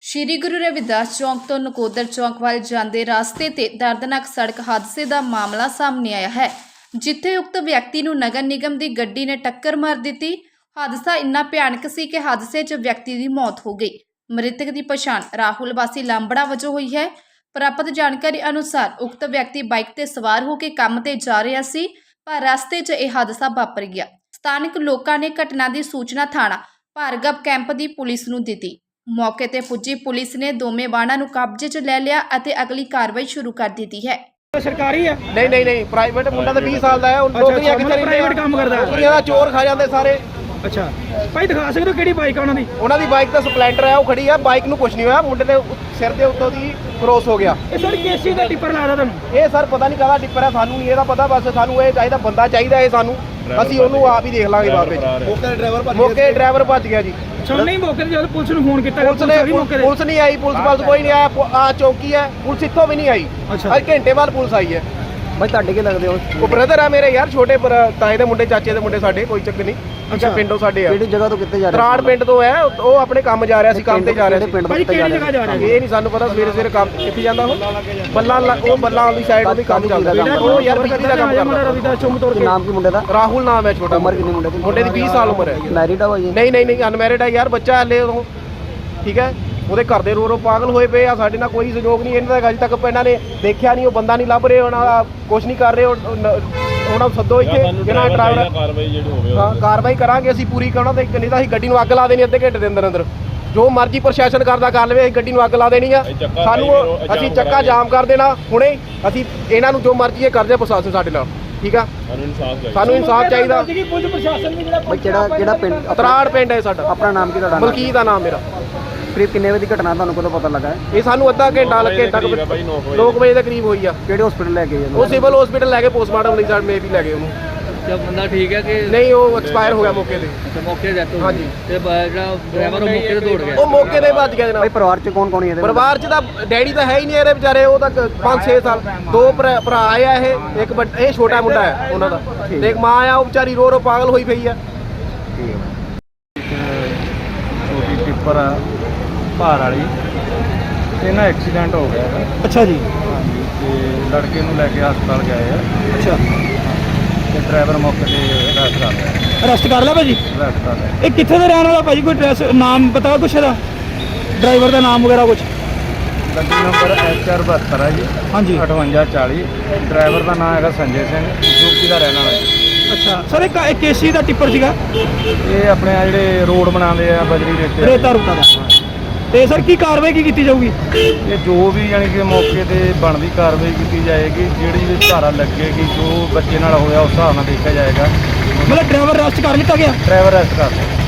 ਸ਼੍ਰੀ ਗੁਰੂ ਰਵਿਦਾਸ ਚੌਂਕ ਤੋਂ ਨਕੋਦਰ ਚੌਂਕ ਵੱਲ ਜਾਂਦੇ ਰਸਤੇ ਤੇ ਦਰਦਨਾਕ ਸੜਕ ਹਾਦਸੇ ਦਾ ਮਾਮਲਾ ਸਾਹਮਣੇ ਆਇਆ ਹੈ, ਜਿੱਥੇ ਉਕਤ ਵਿਅਕਤੀ ਨੂੰ ਨਗਰ ਨਿਗਮ ਦੀ ਗੱਡੀ ਨੇ ਟੱਕਰ ਮਾਰ ਦਿੱਤੀ। ਹਾਦਸਾ ਇੰਨਾ ਭਿਆਨਕ ਸੀ ਕਿ ਹਾਦਸੇ 'ਚ ਵਿਅਕਤੀ ਦੀ ਮੌਤ ਹੋ ਗਈ। ਮ੍ਰਿਤਕ ਦੀ ਪਛਾਣ ਰਾਹੁਲ ਵਾਸੀ ਲਾਂਬੜਾ ਵਜੋਂ ਹੋਈ ਹੈ। ਪ੍ਰਾਪਤ ਜਾਣਕਾਰੀ ਅਨੁਸਾਰ ਉਕਤ ਵਿਅਕਤੀ ਬਾਈਕ ਤੇ ਸਵਾਰ ਹੋ ਕੇ ਕੰਮ ਤੇ ਜਾ ਰਿਹਾ ਸੀ, ਪਰ ਰਸਤੇ 'ਚ ਇਹ ਹਾਦਸਾ ਵਾਪਰ ਗਿਆ। ਸਥਾਨਕ ਲੋਕਾਂ ਨੇ ਘਟਨਾ ਦੀ ਸੂਚਨਾ ਥਾਣਾ ਭਾਰਗਵ ਕੈਂਪ ਦੀ ਪੁਲਿਸ ਨੂੰ ਦਿੱਤੀ। ਮੌਕੇ ਤੇ ਪੁੱਜੀ ਪੁਲਿਸ ਨੇ ਦੋਵੇਂ ਵਾਹਨਾਂ ਨੂੰ ਕਬਜ਼ੇ 'ਚ ਲੈ ਲਿਆ ਅਤੇ ਅਗਲੀ ਕਾਰਵਾਈ ਸ਼ੁਰੂ ਕਰ ਦਿੱਤੀ ਹੈ। ਸਰਕਾਰੀ ਹੈ? ਨਹੀਂ ਪ੍ਰਾਈਵੇਟ ਮੁੰਡਾ ਤਾਂ 20 ਸਾਲ ਦਾ ਹੈ। ਨੌਕਰੀਆਂ ਕਿੱਥੇ ਰਹਿੰਦੇ? ਪ੍ਰਾਈਵੇਟ ਕੰਮ ਕਰਦਾ ਹੈ। ਨੌਕਰੀਆਂ ਦਾ ਚੋਰ ਖਾ ਜਾਂਦੇ ਸਾਰੇ। ਅੱਛਾ ਭਾਈ, ਦਿਖਾ ਸਕਦੇ ਹੋ ਕਿਹੜੀ ਬਾਈਕ ਆ ਉਹਨਾਂ ਦੀ? ਉਹਨਾਂ ਦੀ ਬਾਈਕ ਤਾਂ ਸਪਲੈਂਡਰ ਹੈ, ਉਹ ਖੜੀ ਆ। ਬਾਈਕ ਨੂੰ ਕੁਝ ਨਹੀਂ ਹੋਇਆ, ਮੁੰਡੇ ਦੇ ਸਿਰ ਦੇ ਉੱਤੋਂ ਦੀ ਕ੍ਰੋਸ ਹੋ ਗਿਆ। ਇਹ ਸਰ ਕੇਸੀ ਦਾ ਟਿੱਪਰ ਲੱਗਦਾ ਤੁਹਾਨੂੰ? ਇਹ ਸਰ ਪਤਾ ਨਹੀਂ ਕਾਹਦਾ ਟਿੱਪਰ ਹੈ, ਸਾਨੂੰ ਨਹੀਂ ਇਹਦਾ ਪਤਾ। ਬਸ ਸਾਨੂੰ ਇਹ ਚਾਹੀਦਾ, ਬੰਦਾ ਚਾਹੀਦਾ ਇਹ ਸਾਨੂੰ। ਅਸੀਂ ਉਹਨੂੰ ਆਪ ਹੀ ਦੇਖ ਲਾਂਗੇ ਬਾਅਦ ਵਿੱਚ। ਮੌਕੇ ਡਰਾਈਵਰ ਭੱਜ ਗਿਆ ਜੀ। ਨਹੀਂ ਮੌਕੇ ਤੇ ਜਦੋਂ ਪੁਲਿਸ ਨੂੰ ਫੋਨ ਕੀਤਾ, ਪੁਲਿਸ ਨਹੀਂ ਆਈ। ਪੁਲਿਸ ਕੋਈ ਨਹੀਂ ਆਇਆ। ਆ ਚੌਕੀ ਹੈ, ਪੁਲਿਸ ਇੱਥੋਂ ਵੀ ਨਹੀਂ ਆਈ। ਅੱਜ ਘੰਟੇ ਬਾਅਦ ਪੁਲਿਸ ਆਈ ਹੈ। ਭਾਈ ਤੁਹਾਡੇ ਕੀ ਲੱਗਦੇ ਹੋ? ਉਹ ਬ੍ਰਦਰ ਆ ਮੇਰੇ ਯਾਰ, ਛੋਟੇ ਤਾਏ ਦੇ ਮੁੰਡੇ, ਚਾਚੇ ਦੇ ਮੁੰਡੇ ਸਾਡੇ। ਕੋਈ ਚੱਕਰ ਨਹੀਂ। ਅੱਛਾ ਪਿੰਡੋਂ ਸਾਡੇ ਆ। ਕਿਹੜੀ ਜਗ੍ਹਾ ਤੋਂ ਕਿੱਥੇ ਜਾ ਰਹੇ? ਤਰਾੜ ਪਿੰਡ ਤੋਂ ਹੈ। ਉਹ ਆਪਣੇ ਕੰਮ ਜਾ ਰਿਹਾ ਸੀ, ਕੰਮ ਤੇ ਜਾ ਰਿਹਾ ਸੀ। ਭਾਈ ਕਿਹੜੀ ਜਗ੍ਹਾ ਜਾ ਰਿਹਾ? ਇਹ ਨਹੀਂ ਸਾਨੂੰ ਪਤਾ। ਸਵੇਰੇ ਕੰਮ ਕਿੱਥੇ ਜਾਂਦਾ ਉਹ? ਬੱਲਾ ਵਾਲੀ ਸਾਈਡ ਉਹਦੀ ਕੰਮ ਚੱਲਦਾ। ਉਹ ਯਾਰ ਬਿਜਲੀ ਦਾ ਕੰਮ ਕਰਦਾ। ਰਵਿਦਾਸ ਚੌਂਕ ਤੋਂ। ਨਾਮ ਕੀ ਮੁੰਡੇ ਦਾ? ਰਾਹੁਲ ਨਾਮ ਹੈ। ਛੋਟਾ ਉਮਰ ਕਿੰਨੀ ਮੁੰਡੇ ਦੀ? ਮੁੰਡੇ ਦੀ 20 ਸਾਲ ਉਮਰ ਹੈ। ਮੈਰਿਡ ਆ ਭਾਈ? ਨਹੀਂ ਅਨਮੈਰਿਡ ਹੈ ਯਾਰ, ਬੱਚਾ ਹਲੇ ਉਹ। ਠੀਕ ਹੈ, ਉਹਦੇ ਘਰ ਦੇ ਰੋ ਪਾਗਲ ਹੋਏ ਪਏ ਆ। ਸਾਡੇ ਨਾਲ ਕੋਈ ਸਹਿਯੋਗ ਨਹੀਂ ਇਹਨਾਂ ਦਾ। ਅਜੇ ਤੱਕ ਇਹਨਾਂ ਨੇ ਦੇਖਿਆ ਨਹੀਂ, ਉਹ ਬੰਦਾ ਨਹੀਂ ਲੱਭ ਰਹੇ, ਉਹਨਾਂ ਦਾ ਕੁਝ ਨਹੀਂ ਕਰ ਰਹੇ। ਉਹਨਾਂ ਨੂੰ ਸੱਦੋ ਇੱਥੇ, ਜਿਹੜਾ ਡਰਾਈਵਰ ਹਾਂ ਕਾਰਵਾਈ ਕਰਾਂਗੇ ਅਸੀਂ ਪੂਰੀ। ਕਰਨਾ ਤੇ ਨਹੀਂ ਤਾਂ ਅਸੀਂ ਗੱਡੀ ਨੂੰ ਅੱਗ ਲਾ ਦੇਣੀ ਅੱਧੇ ਘੰਟੇ ਦੇ ਅੰਦਰ। ਜੋ ਮਰਜ਼ੀ ਪ੍ਰਸ਼ਾਸਨ ਕਰਦਾ ਕਰ ਲਵੇ, ਅਸੀਂ ਗੱਡੀ ਨੂੰ ਅੱਗ ਲਾ ਦੇਣੀ ਆ। ਸਾਨੂੰ ਅਸੀਂ ਚੱਕਾ ਜਾਮ ਕਰ ਦੇਣਾ ਹੁਣੇ। ਅਸੀਂ ਇਹਨਾਂ ਨੂੰ ਜੋ ਮਰਜ਼ੀ ਇਹ ਕਰਦੇ ਪ੍ਰਸ਼ਾਸਨ ਸਾਡੇ ਨਾਲ। ਠੀਕ ਆ, ਸਾਨੂੰ ਇਨਸਾਫ ਚਾਹੀਦਾ। ਭਾਈ ਕਿਹੜਾ ਪਿੰਡ? ਤਰਾੜ ਪਿੰਡ ਹੈ ਸਾਡਾ। ਆਪਣਾ ਨਾਮ ਕੀ ਤੁਹਾਡਾ? ਮਲਕੀਤ ਦਾ ਨਾਮ ਮੇਰਾ। ਕਰੀਬ ਕਿੰਨੇ ਵਜੇ ਦੀ ਘਟਨਾ ਤੁਹਾਨੂੰ ਕਦੋਂ ਪਤਾ ਲੱਗਾ ਹੈ? ਇਹ ਸਾਨੂੰ ਅੱਧਾ ਘੰਟਾ 9 ਵਜੇ ਦੇ ਕਰੀਬ ਹੋਈ ਆ। ਕਿਹੜੇ ਹਸਪੀਟਲ ਲੈ ਗਏ? ਉਹ ਸਿਵਲ ਹਸਪੀਟਲ ਲੈ ਕੇ ਪੋਸਟਮਾਰਟਮ ਲਈ ਸਾਡੇ ਮੇ ਵੀ ਲੈ ਗਏ ਉਹਨੂੰ। ਜਦ ਬੰਦਾ ਠੀਕ ਹੈ ਕਿ ਨਹੀਂ, ਉਹ ਐਕਸਪਾਇਰ ਹੋ ਗਿਆ ਮੌਕੇ ਤੇ। ਮੌਕੇ ਡੈਥ ਹੋ ਹਾਂਜੀ। ਤੇ ਜਿਹੜਾ ਡਰਾਈਵਰ ਉਹ ਮੌਕੇ ਤੇ ਦੌੜ ਗਿਆ। ਉਹ ਮੌਕੇ ਤੇ ਭੱਜ ਗਿਆ ਜਨਾਬ। ਭਾਈ ਪਰਿਵਾਰ ਚ ਕੌਣ ਇਹਦੇ? ਪਰਿਵਾਰ ਚ ਤਾਂ ਡੈਡੀ ਤਾਂ ਹੈ ਹੀ ਨਹੀਂ ਇਹਦੇ ਵਿਚਾਰੇ। ਉਹ ਤਾਂ 5-6 ਸਾਲ। ਦੋ ਭਰਾ ਆ ਇਹ। ਇੱਕ ਇਹ ਛੋਟਾ ਮੁੰਡਾ ਹੈ ਉਹਨਾਂ ਦਾ, ਤੇ ਇੱਕ ਮਾਂ ਆ। ਉਹ ਵਿਚਾਰੀ ਰੋ ਪਾਗਲ ਹੋਈ ਪਈ ਆ। ਛੋਟੀ ਟਿੱਪਰ ਆ ਭਾਰ ਵਾਲੀ, ਤੇ ਨਾ ਐਕਸੀਡੈਂਟ ਹੋ ਗਿਆ ਹੈ। ਅੱਛਾ ਜੀ। ਹਾਂਜੀ, ਤੇ ਲੜਕੇ ਨੂੰ ਲੈ ਕੇ ਹਸਪਤਾਲ ਗਏ ਆ। ਅੱਛਾ, ਤੇ ਡਰਾਈਵਰ ਮੌਕੇ ਤੇ ਅਰੈਸਟ ਕਰ ਲਿਆ। ਅਰੈਸਟ ਕਰ ਲਿਆ ਭਾਜੀ? ਅਰੈਸਟ ਕਰ ਲਿਆ। ਇਹ ਕਿੱਥੇ ਦਾ ਰਹਿਣ ਵਾਲਾ ਭਾਜੀ? ਕੋਈ ਐਡਰੈਸ ਨਾਮ ਪਤਾ ਕੁਛ ਇਹਦਾ? ਡਰਾਈਵਰ ਦਾ ਨਾਮ ਵਗੈਰਾ ਕੁਛ? ਗੱਡੀ ਨੰਬਰ HR72 ਹੈ ਜੀ। ਹਾਂਜੀ। 5840। ਡਰਾਈਵਰ ਦਾ ਨਾਮ ਹੈਗਾ ਸੰਜੇ ਸਿੰਘ, ਯੂਪੀ ਦਾ ਰਹਿਣ ਵਾਲਾ ਜੀ। ਅੱਛਾ ਸਰ, ਇਹ ਕੇਸੀ ਦਾ ਟਿੱਪਰ ਸੀਗਾ? ਇਹ ਆਪਣੇ ਆ ਜਿਹੜੇ ਰੋਡ ਬਣਾਉਂਦੇ ਆ ਬਜਰੀ ਰੇਤਾ ਰੂਤਾ ਦਾ। ਤੇ ਸਰ ਕੀ ਕਾਰਵਾਈ ਕੀ ਕੀਤੀ ਜਾਊਗੀ? ਇਹ ਜੋ ਵੀ ਯਾਨੀ ਕਿ ਮੌਕੇ ਤੇ ਬਣਦੀ ਕਾਰਵਾਈ ਕੀਤੀ ਜਾਏਗੀ। ਜਿਹੜੀ ਵੀ ਧਾਰਾ ਲੱਗੇਗੀ, ਜੋ ਬੱਚੇ ਨਾਲ ਹੋਇਆ ਉਸ ਹਿਸਾਬ ਨਾਲ ਦੇਖਿਆ ਜਾਏਗਾ। ਮਤਲਬ ਡਰਾਈਵਰ ਅਰੈਸਟ ਕਰ ਲਿੱਤਾ ਗਿਆ? ਡਰਾਈਵਰ ਅਰੈਸਟ ਕਰ ਲਿਆ।